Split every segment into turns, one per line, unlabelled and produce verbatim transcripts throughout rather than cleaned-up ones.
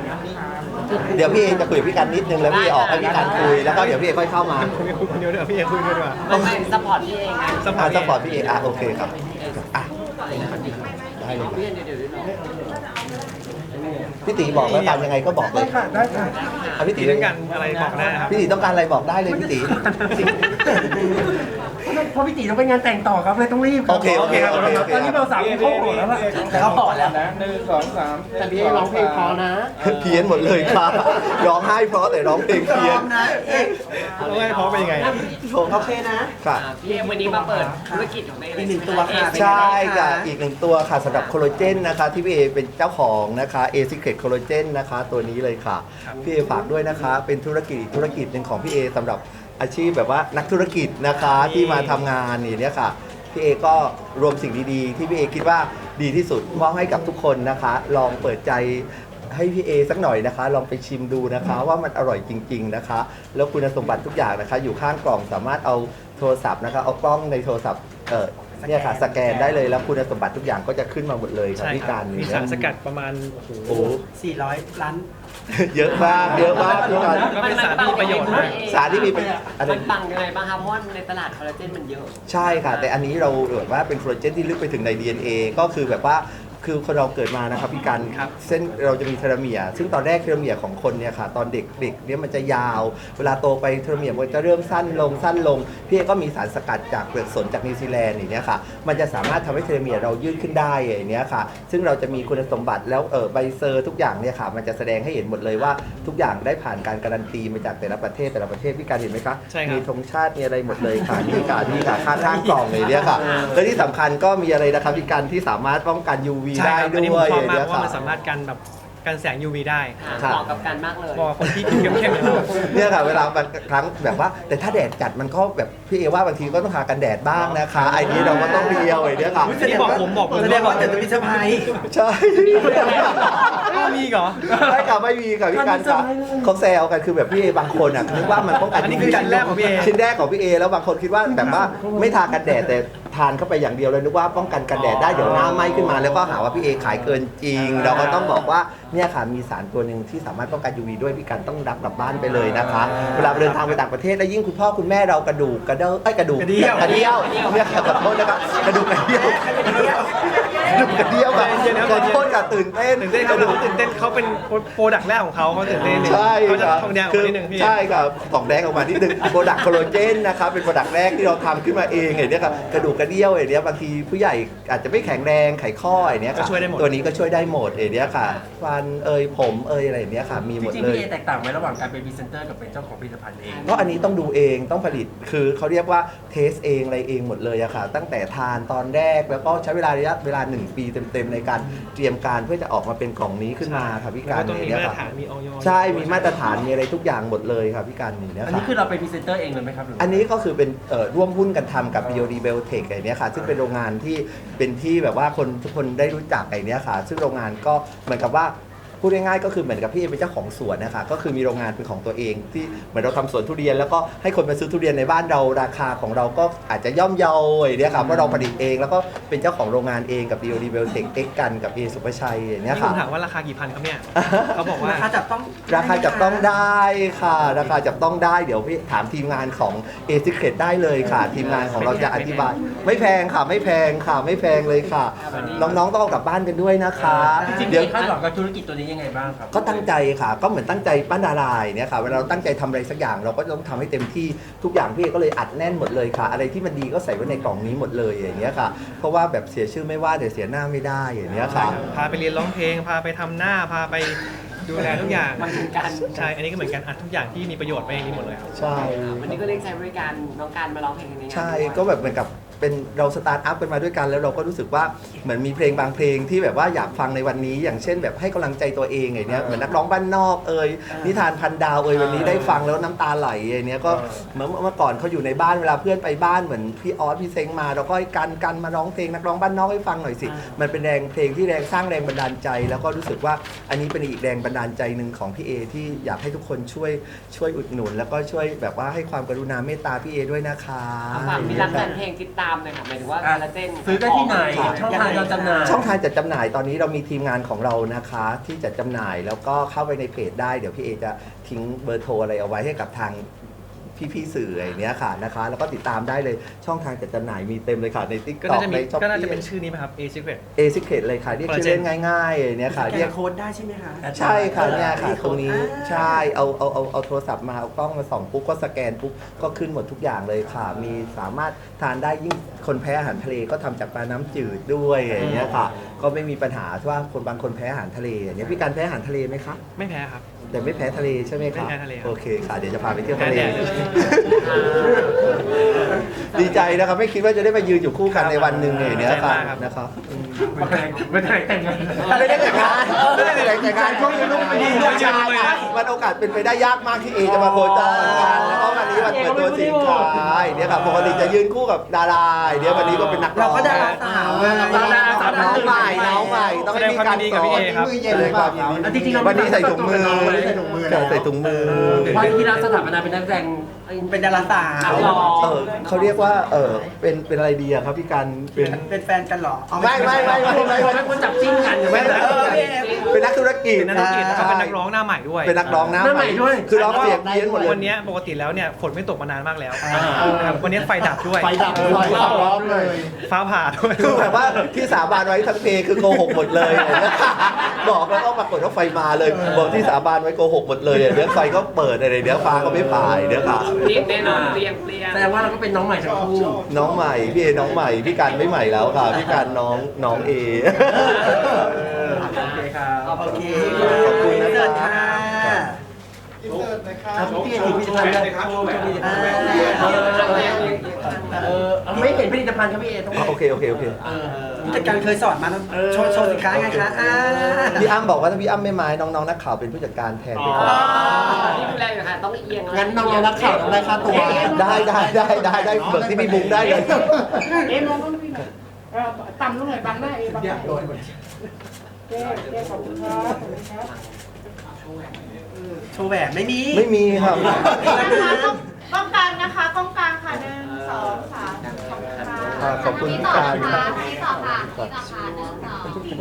เดี๋ยวพี่เอจะคุยกับพี่กันนิดนึงแล้วพี่เอออกให้พี่กันคุยแล้วก็เดี๋ยวพี่เอค่อยเข้ามา
คุยคนเดียวเดี๋ยวพี่เอคุยด้วยดีกว่า
ไม่ไม่ซัพพอร์ตพี่เองนะ
สปอ
อ่า
ร์ต
สปอร์ตพี่เออ่ะโอเคครับอ่ะได้เลย
พี่เดี๋ยวเดี๋ยวเดี๋ยว
พี่ตีบอกแล้วกันยังไงก็บอกเลย
ค่ะได้ค่ะ
อ่ะพี่ตี
ตีด้วยกันอะไรบอกได้นะครับ
พี่ตีต้องการอะไรบอกได้เลยพี่ตี
เพราะพี่ตีต้องไปงานแต่งต่อครับเลยต้องรีบ
โอเคโอเคโอเคโอเค
ตอนนี้เราสามคนเข้าหมดแล้วล่ะ
เขาบอกแล้ว
นะหนึ่งสองสาม
แต่พี่ร้องเพลงพอนะ
เพี้ยนหมดเลยค่ะร้องไห้เพราะแต่ร้องเพลงเพี้ยน
แล้วให้พร้อมเป็นยังไง
โอเคนะค่ะ
พี่เองวันนี้มาเปิดธุรกิจของตัวเอง
อีกหนึ่งตัวค่ะ
ใช่ค่ะอีกหนึ่งตัวค่ะสำหรับโคโลเจนนะคะที่พี่เอเป็นเจ้าของนะคะเอซิเครตโคโลเจนนะคะตัวนี้เลยค่ะพี่เอฝากด้วยนะคะเป็นธุรกิจอีกธุรกิจหนึ่งของพี่เอสำหรับอาชีพแบบว่านักธุรกิจนะคะที่มาทำงานนี่เนี่ยค่ะพี่เอก็รวมสิ่งดีๆ ที่พี่เอคิดว่าดีที่สุดมอบให้กับทุกคนนะคะ ลองเปิดใจให้พี่เอสักหน่อยนะคะ ลองไปชิมดูนะคะ ว่ามันอร่อยจริง ๆนะคะ แล้วคุณสมบัติทุกอย่างนะคะ อยู่ข้างกล่องสามารถเอาโทรศัพท์นะคะเอากล้องในโทรศัพท์เออเนี่ยค่ะสแกนได้เลยแล้วคุณสมบัติทุกอย่างก็จะขึ้นมาหมดเลยค่ะ
ใช่
พี่
ครั
กา
บ
ร
มี
นี่
สารสกัดประมาณโอ้โห
โอ้โห
สี่ร้อยล้าน
เยอะมากเยอะมากพี่การ
ก็เป็นสารที่มีประโยชน์มาก
สารที่มีประโยชน์อะไร
มันปังยังไงบ้างคะเพราะว่าในตลาดคอลลาเจนมันเยอะ
ใช่ค่ะ แต่อันนี้เราแบบว่าเป็นโคลลาเจนที่ลึกไปถึงใน ดี เอ็น เอ ก็คือแบบว่าคือคนเราเกิดมานะครับพี่กัน
ครับ
เส้นเราจะมีเทโลเมียร์ซึ่งตอนแรกเทโลเมียร์ของคนเนี่ยค่ะตอนเด็กเด็กเนี่ยมันจะยาว เวลาโตไปเทโลเมียร์มันจะเริ่มสั้นลงสั้นลงพี่เอก็มีสารสกัดจากเปลือกสนจากนิวซีแลนด์อย่างเนี้ยค่ะมันจะสามารถทำให้เทโลเมียร์เรายืดขึ้นได้อย่างเนี้ยค่ะซึ่งเราจะมีคุณสมบัติแล้วเออใบเซอร์ทุกอย่างเนี่ยค่ะมันจะแสดงให้เห็นหมดเลยว่าทุกอย่างได้ผ่านการการันตีมาจากแต่ละประเทศแต่ละประเทศพี่การเห็นไหมคะ
ใช่ครับ
มีธงชาติมีอะไรหมดเลยค่ะนี่ค่ะนี่ค่ะข้างข้างกล่องเลยเนี่ยค่ะและที่สำคัญก็มีอะไรนะครับพี่การที่สามารถป้องกัน ยู วี
ใช่
ได้
ครับ
ด้
อันนี้ผ
ว
ม
ย
ชอบมาก
เนี่
เพ
ย
ราะว่า
ค่ะ
มันสามารถกันแบบกันแสง ยู วี ได้
เหมาะกับการมากเลย
บอกคนที่เข้มๆอย่างเรา
เนี่ยค่ะเวลาบางครั้งแบบว่า แต่ถ้าแดดจัดมันก็แบบพี่เอว่าบางทีก็ต้องทากันแดดบ้างนะคะไอ้นี้เราก็ต้องเรียวไอ้เนี่ยค่ะ
นี่บอกผมบอกผม
แสดงว่าเดี๋ยวจะมีเซอร์ไพรส์
ใช่
ก็มีเหรอ
ใช่ค่ะไม่มีค่ะพี่การค่ะเขาแซวกันคือแบบพี่เอบางคนอ่ะนึกว่ามันป้องกัน
อันนี้คือชิ้นแรกของพี่เอ
ชิ้นแรกของพี่เอแล้วบางคนคิดว่าแบบว่าไม่ทากันแดดแต่ทานเข้าไปอย่างเดียวเลยนึกว่าป้องกันกันแดดได้เดี๋ยวหน้าไหม้ขึ้นมาแล้วก็หาว่าพี่เอขายเกินจริง เราก็ต้องบอกว่าเนี่ยค่ะมีสารตัวหนึ่งที่สามารถป้องกัน ยู วี ด้วยพี่การต้องรับกลับบ้านไปเลยนะคะเวลาเดินทางไปต่างประเทศแล้วยิ่งคุณพ่อคุณแม่เรากระดูกกระเด้อไอ้ยกระดูก
กระเดี่ยว
กระเดี่ยวเนี่ยค่ะขอโทษนะครับกระดูกกระเดี่ยวกระดูกกระเดี่ยวแบบขอโทษค่ะตื่นเต้น
ตื่นเต้นเขาตื่นเต้นเขาเป็นโปรดักต์แรกของเขาเขาตื่นเต้น
ใช่
เขาจะ
ครับ
ทองแดงออกมานิดนึงพี่
ใช่ครับทองแดงออกมานิดนึงโปรดักต์โคโลเจนนะครับเป็นโปรดักต์แรกที่เราทำขึ้นมาเองไอ้เนี่ยครับกระดูกกระเดี่ยวไอ้เนี่ยบางทีผู้ใหญ่อาจจะไม่แข็งแรงไขข้อไอ้เนี่ยค่ะ
ก็ช่วยได้หมด
ตัวนี้ก็ช่วยได้หมดไอ้เนี่ยค่ะฟันเอยผมเอยอะไรอย่างเนี้ยค่ะมี
จ
หมด
ริงๆ
เลย
พี่เอแตกต่างไหมระหว่างการเป็นพรีเซนเตอร์กับเป็นเจ้าของผลิตภัณฑ์เอง
เพราะอันนี้ต้องดูเองต้องผลิตคือเขาเรียกว่าเทสเองอะไรเองหมดเลยอะค่ะตั้งแต่ทานตอนแรกแล้วก็ใช้เวลาระยะเวลาหนึ่งปีเต็มๆในการเตรียมการเพื่อจะออกมาเป็นกล่องนี้ขึ้นมาค่ะพี่
แล้ว
การ
ก็ต้องมี
เนี่ย
มาตร
ค่ะ
ฐานมีออย
ใช่มีมาตรฐานมีอะไรทุกอย่างหมดเลยครับพี่การนี่เนี่ย
อัน
ค่ะ
นี้คือเราเป็นพรีเซนเตอร์เองเลยไหมครับหรื
อันนี้ก็คือเป็นเอ่อร่วมหุ้นกันทำกับ บี โอ ดี Biotech ไอ้เนี้ยค่ะซึ่งเป็นโรงงานที่เป็นที่แบบว่าคนทุกคนได้รู้จักไอ้เนี้ยค่ะ ซึ่งโรงงานก็เหมือนกับว่าพูดง่ายๆก็คือเหมือนกับพี่เอเป็นเจ้าของสวนนะคะก็คือมีโรงงานเป็นของตัวเองที่เหมือนเราทำสวนทุเรียนแล้วก็ให้คนมาซื้อทุเรียนในบ้านเราราคาของเราก็อาจจะย่อมเยาไอ้เนี้ยค่ะเพราะเราผลิตเองแล้วก็เป็นเจ้าของโรงงานเองกับ บี โอ ดี Biotech X กันกับ เอ สุภชัยไอ้เนี้ย
นี่ผ
ค่ะ
มถามว่าราคากี่พันครับเนี่ยเขาบอกว่า
ราคาจับต้อง
ราคาจับต้องได้ค่ะ ราคาจับต้องได้เดี๋ยวพี่ถามทีมงานของ A Secret ได้เลยค่ะ ทีมงานของเราจะอธิบาย ไม่แพงค่ะไม่แพงค่ะไม่แพงเลยค่ะ น้องๆต้องเอากลับบ้านกันด้วยนะคะ
จริงๆ
เดี๋ยว
พี่คาดหวังกับธุรกิจตัวนี้ยังไงบ้างครับ
ก็ตั้งใจค่ะ ก็เหมือนตั้งใจปั้นดาราเนี่ยค่ะเวลาเราตั้งใจทำอะไรสักอย่างเราก็ต้องทำให้เต็มที่ทุกอย่างพี่ก็เลยอัดแน่นหมดเลยค่ะ อะไรที่มันดีก็ใส่ไว้ในกล่องนี้หมดเลยอย่างเงี้ยค่ะ เพราะว่าแบบเสียชื่อไม่ว่าเดี๋ยวเสียหน้าไม่ได้อย่างเงี้ยค่ะ
พาไปเรียนร้องเพลง พาไปทำหน้า พาไปดูแลทุกอย่าง
มันคือการ
ใช่ อันนี้ก็เหมือนกันอัดทุกอย่างที่มีประโยชน์ไปในนี้หมดเลยครับ
ใช่
วันนี้ก็เรียกใช้บริการน้องการมาร้องเพลงในงาน
ใช่
ด้วย
ก็แบบเหมือนกับเป็นเราสตาร์ทอัพกันมาด้วยกันแล้วเราก็รู้สึกว่าเหมือนมีเพลงบางเพลงที่แบบว่าอยากฟังในวันนี้ อย่างเช่นแบบให้กำลังใจตัวเองไงเนี้ยเหมือนนักร้องบ้านนอกเอ่ยนิทานพันดาวเอ่ยวันนี้ได้ฟังแล้วน้ำตาไหลไอ้เนี้ยก็เหมือนเมื่อก่อนเขาอยู่ในบ้านเวลาเพื่อนไปบ้านเหมือนพี่ออสพี่เซ้งมาเราก็ให้กันกันมาร้องเพลงนักร้องบ้านนอกให้ฟังหน่อยสิมันเป็นแรงเพลงที่แรงสร้างแรงบันดาลใจ แล้วก็รู้สึกว่าอันนี้เป็นอีกแรงบันดาลใจหนึ่งของพี่เอที่อยากให้ทุกคนช่วยช่วยอุดหนุน แล้วก็ช่วยแบบว่าให้ความกรุณาเมตตาพี่เอด้วยนะคะ
ฝากมีรักแฟนเพลงติดตามามเลยค่ะหมายถึงว่า
อ่ะ
คอลลาเจน
ซื้อได้ที่ไหนช่องทางการจำหน่าย
ช่องทางจัดจำหน่ายตอนนี้เรามีทีมงานของเรานะคะ ที่จัดจำหน่ายแล้วก็เข้าไปในเพจได้เดี๋ยวพี่เอจะทิ้งเบอร์โทรอะไรเอาไว้ให้กับทางพี่ๆสื่ออะไรเนี้ยค่ะนะคะ แล้วก็ติดตามได้เลยช่องทางจัดจำหน่ายมีเต็มเลยค่ะใน ติ๊ก
ก็
ต็อ
น่าก จะ
ใน
มี
ช้อป
ก็น่าจะ
ปี้
เป็นชื่อนี้ไหมครับ A Secret
เอซิเครตเลยค่ะเรียกชื่อเล่นง่ายๆอย่างเนี้ยค่ะ
แก
เรียก
โค้ดได้ใช่ไหมคะ
ใช่ค่ะเนี่ยค่ะ
มี
ต
โค้
รง
ด
นี้
อ่า
ใช่เอาเอาเอาเอาโทรศัพท์มาเอากล้องมาส่องปุ๊บก็สแกนปุ๊บก็ขึ้นหมดทุกอย่างเลยค่ะ มีสามารถทานได้ยิ่งคนแพ้อาหารทะเลก็ทำจากปลาน้ำจืดด้วยอย่างเงี้ยค่ะ ก็ไม่มีปัญหาว่าคนบางคนแพ้อาหารทะเลอย่างเงี้ยพี่การแพ้อาหารทะเลไหมคะ
ไม่แพ้ครับ
แต่ไม่แพ้ทะเลใช่ไหมคะ
ไม่แพ้ทะเลครับ
โอเคค่ะเดี๋ยวจะพาไปเที่ยวทะเล
แพ้แดดเลย
ดีใจนะครับไม่คิดว่าจะได้มายืนอยู่คู่กันในวันหนึ่งอย่างเนี้ยค่ะ
ใจมากครับ
นะครับอืม
ไม่ได้ไม่ได้แต่งงาน
อะไรได้แต่งงานไม่ได้แต่งงานช่วงนี้ลูกมีลูกชายอ่ะมันโอกาสเป็นไปได้ยากมากที่เอจะมาโคจรกันแล้วก็วันนี้วันเปิดตัวสินค้าเนี่ยค่ะปกติจะยืนคู่กับดาราเดี๋ยววันนี้ก็เป็นนักร้
เรา
อง
ก็ดาราสาวไง
ดาราสาวน้องใหม่น้องใหม่ต้องให้มีการสอน
แสดงความยินดีกับพี่เอครับ
มือเย็นเลยครับ
อ่ะจริงๆเรา
วันนี้ใส่ถุงมือ
ใส่ถุงมือ
ใส่ถุงมือ
วันที่เราสถาปนาเป็นนักแสดง
เป็นดาราสาว
นักร้อง
เออเขาเรียกว่าเออเป็นเป็นอะไรดีอะครับพี่การเป็น
เป็นแฟนกันเหรอเอา
ไม่ไม่ไม่ไม่ไม่
ไม่ควรจับจิ้นกัน
ไม่
ไม่
ไม่
ได้
เป็นนักธุรกิจ
เป็นนักธุรกิจแล้วก็เป็นนักร้องหน้าใหม่ด้วย
เป็นนักร้องหน้า
หน้าใหม่ด้วย
คือร้องเสียงเพี้ยนหมดเลย
วันเนี้ยปกติแล้วเนี่ยฝนไม่ตกมานานมากแล้วนะครับวันนี้ไฟดับด้วย
ไฟดับเลยขับร้องเลย
ฟ้าผ่าด้วย
คือแบบว่าที่สาบานไว้ทั้งเพลงคือโกหกหมดเลยอย่างเงี้ยบอกแล้วก็ปรากฏว่าไฟมาเลยบอกที่สาบานไว้โกหกหมดเลยเดี๋ยวไฟก็เปิดอะไรเดี๋ยวฟ้าก็ไม่ผ่ายเดี๋ยวค่ะ
เรียงแน่นอนเรียงเรียง
แสดงว่าเราก็เป็นน้องใหม่ทั้งคู่
น้องใหม่พี่เอน้องใหม่พี่การไม่ใหม่แล้วค่ะพี่การน้องน้องเอ
โอเคครับ
โอเค
ขอบคุณนะ
เดิน
ครั
ค่ะ
บ
ครับพี่เอกผลิตภัณฑ์นะครับเออไม่เห็นผลิตภัณฑ์ครับพี่เอกต้อง
อ๋อโอเคโอเคโอเค
เออ
ผู้จัดการเคยสอนมานะโชว์โชว์สินค้าไงคะอ่า
พี่อ้ำบอกว่าถ้าพี่อ้ำไม่มาน้องๆนักข่าวเป็นผู้จัดการแทนไปก่อน
ที่ดูแลอยู่ค่ะต้องเอียง
งั้นน้องๆนักข่าวต้องได้ค่าตัว
ได้ได้ได้ได้ได้เบิกที่พี่บุ๊กได้เลย
เอ็มลองต้องมีหน่อยเอ่อต่ำลงหน่อยบังหน้าเอบังหน้าเอเจ๊เจ๊ขอบคุณครับขอบคุณครับ
โชว์แหวนไม่มี
ไม่มีครับ
นะคะต้องต้องกลางนะคะต้องกลางค่ะหนึ่งสองสามขอบคุณค่ะ
อ่าขอบคุณ
ที่
พี่
ต่อ
การ
ค่ะที่ต่อค่ะที่ต่อค่ะหนึ่งสองขอบคุณ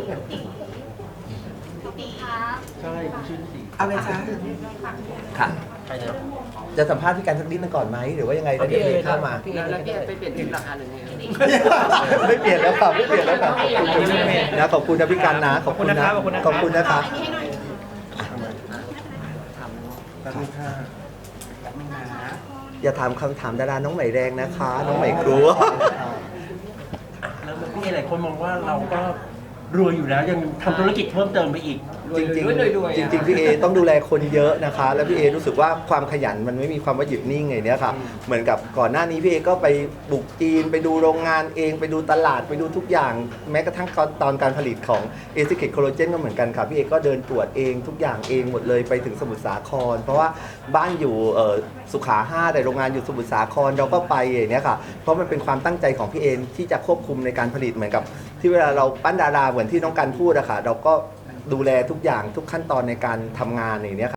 ครับ
ใช่ชื่อสี
เอาเลยจ้า
ค่ะ
ใครนะ
จะสัมภาษณ์พี่การสักนิดนึงก่อนไหมหรือว่ายังไงแล้วเดี๋ยวเพลงเข้ามา
แล้วแล้วพี่ไปเปลี่ยนทิปราคาหนึ่งไง
ไม่เปลี่ยนแล้วค่ะไม่เปลี่ยนแล้วค่ะนะขอบคุณนะพี่การนะขอบคุณนะ
ขอบคุณนะครับ
ขอบคุณนะครับ
อันนี้ให้หน่อย
ขอบคุณค่ะ
อย่าถามคำถามดาราน้องใหม่แรงนะคะ น้องใหม่ครัว
แล้วพี่เอกหลายคนมองว่าเราก็รวยอยู่แล้วยังทำธุรกิจเพิ่มเติมไปอีก
จริงๆจริงๆพี่เอต้องดูแลคนเยอะนะคะ แล้วพี่เอรู้สึกว่าความขยันมันไม่มีความว่าหยุดนิ่งไงเนี้ยค่ะ เหมือนกับก่อนหน้านี้พี่เอก็ไปบุกจีนไปดูโรงงานเองไปดูตลาดไปดูทุกอย่าง แม้กระทั่งตอนการผลิตของเอซิเคทโคโลเจนก็เหมือนกันค่ะพี่เอก็เดินตรวจเองทุกอย่างเองหมดเลยไปถึงสมุทรสาคร เพราะว่าบ้านอยู่เอ่อสุขาห้าแต่โรงงานอยู่สมุทรสาครเราก็ไปอย่างเนี้ยค่ะเพราะมันเป็นความตั้งใจของพี่เอที่จะควบคุมในการผลิตเหมือนกับ ที่เวลาเราปั้นดาราเหมือนที่น้องกันพูดอะค่ะเราก็ดูแลทุกอย่างทุกขั้นตอนในการทำงานอย่างเนี้ยค่ะ